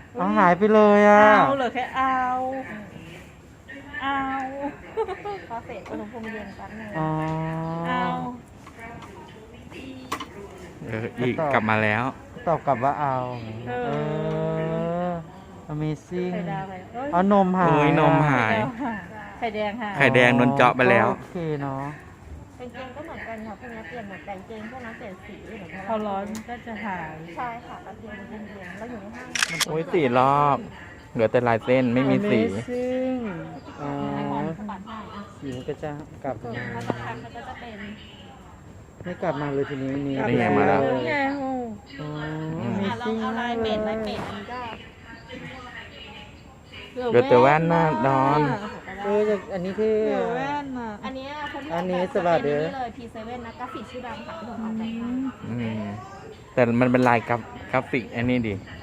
เอาหายไปเลยอ่ะเอาเหลือแค่เอาพอเสร็จอุณหภูมิเย็นแป๊บนึงอ๋อเอาอีกกลับมาแล้วตอบกลับว่าเอาAmazing ไข่ดาวไปเอานมหายโอ้ยนมหายไข่แดงค่ะไข่แดงโดนเจาะไปแล้วโอเคเนาะกางเกงก็เหมือนกันค่ะพวกนี้เปลี่ยนเหมือนกันกางเกงพวกนั้นเปลี่ยนสีเหมือนกันพอร้อนก็จะหายใช่ค่ะกางเกงเย็นๆแล้วอยู่ในห้างโอ้ย4 รอบ เหลือแต่ลายเส้นไม่มีสี Amazing อ๋อสะบัดให้อ่ะสีมันก็จะกลับมาถ้าจะพักมันก็จะเป็นไม่กลับมาเลยทีนี้นี่นี่ไงมาแล้วนี่ไงโอ้อ๋อลอง Amazing เอาลายเป็ดอันนี้ก็เหลือแต่แว่นหน้าดอนจากอันนี้ที่เหลือแว่นอ่ะอันนี้คนที่อันนี้ออกแบบสวัสดีจะเป็นนี่เลย P7 นะกราฟิกชื่อดังค่ะที่ผมออกแบบให้แต่มันเป็นลายกราฟิกอันนี้ดิใ